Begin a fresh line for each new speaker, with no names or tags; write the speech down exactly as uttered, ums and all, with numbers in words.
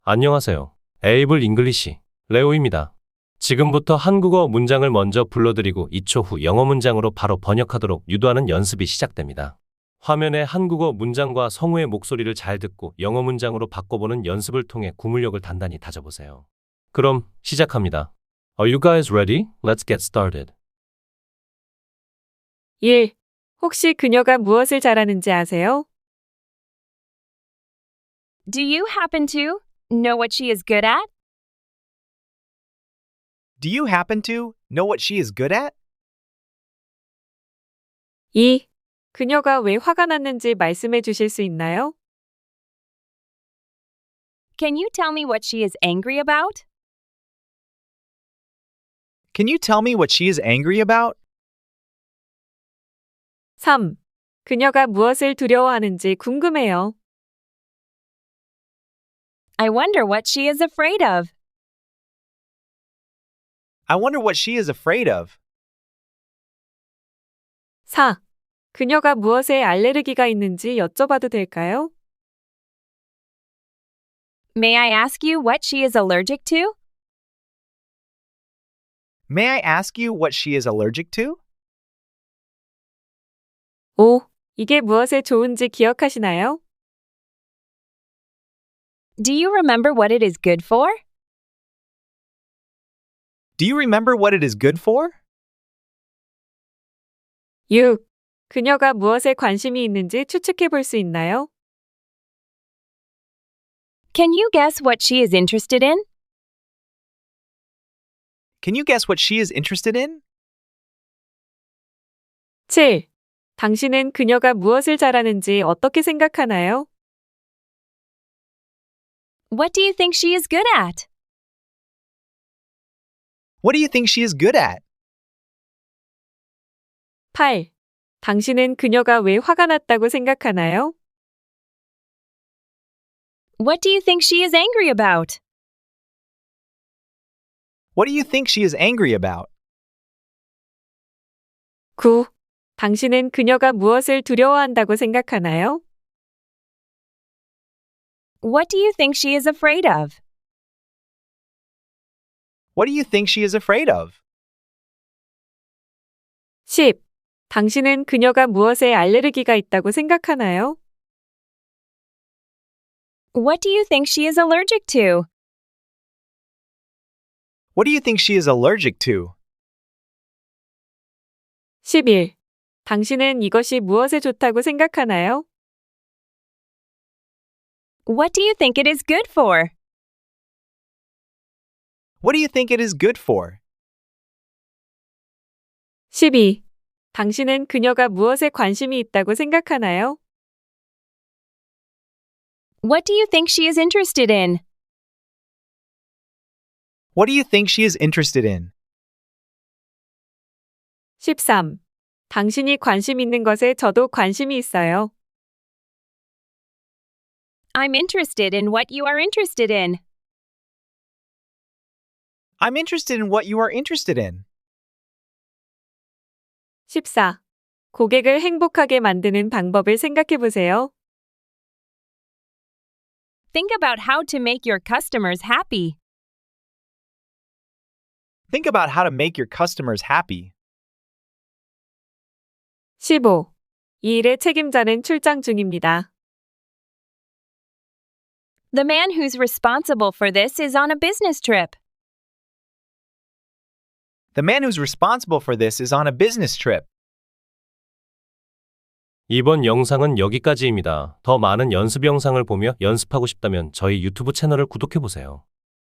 안녕하세요. 에이블 잉글리시 레오입니다. 지금부터 한국어 문장을 먼저 불러드리고 이 초 후 영어 문장으로 바로 번역하도록 유도하는 연습이 시작됩니다. 화면에 한국어 문장과 성우의 목소리를 잘 듣고 영어 문장으로 바꿔보는 연습을 통해 구문력을 단단히 다져보세요. 그럼 시작합니다. Are you guys ready? Let's get started.
일. 혹시 그녀가 무엇을 잘하는지 아세요?
Do you happen to know what she is good at?
Do you happen to know what she is good at?
이. 그녀가 왜 화가 났는지 말씀해 주실 수 있나요?
Can you tell me what she is angry about?
Can you tell me what she is angry about?
삼. 그녀가 무엇을 두려워하는지 궁금해요.
I wonder what she is afraid of.
I wonder what she is afraid of.
사. 그녀가 무엇에 알레르기가 있는지 여쭤봐도 될까요?
May I ask you what she is allergic to?
May I ask you what she is allergic to?
오. 이게 무엇에 좋은지 기억하시나요?
Do you remember what it is good for?
Do you remember what it is good for?
육. 그녀가 무엇에 관심이 있는지 추측해 볼 수 있나요?
Can you guess what she is interested in?
Can you guess what she is interested in?
칠. 당신은 그녀가 무엇을 잘하는지 어떻게 생각하나요?
What do you think she is good at?
What do you think she is good at?
팔. 당신은 그녀가 왜 화가 났다고 생각하나요?
What do you think she is angry about?
What do you think she is angry about?
구. 당신은 그녀가 무엇을 두려워한다고 생각하나요?
What do you think she is afraid of?
What do you think she is afraid of?
십. 당신은 그녀가 무엇에 알레르기가 있다고 생각하나요?
What do you think she is allergic to?
What do you think she is allergic to?
십일. 당신은 이것이 무엇에 좋다고 생각하나요?
What do you think it is good for?
What do you think it is good for?
십이. 당신은 그녀가 무엇에 관심이 있다고 생각하나요?
What do you think she is interested in?
What do you think she is interested in?
십삼. 당신이 관심 있는 것에 저도 관심이 있어요.
I'm interested in what you are interested in.
I'm interested in what you are interested in.
십사. 고객을 행복하게 만드는 방법을 생각해 보세요.
Think about how to make your customers happy.
Think about how to make your customers happy.
십오. 이 일의 책임자는 출장 중입니다.
The man who's responsible for this is on a business trip.
The man who's responsible for this is on a business trip.
이번 영상은 여기까지입니다. 더 많은 연습 영상을 보며 연습하고 싶다면 저희 유튜브 채널을 구독해보세요.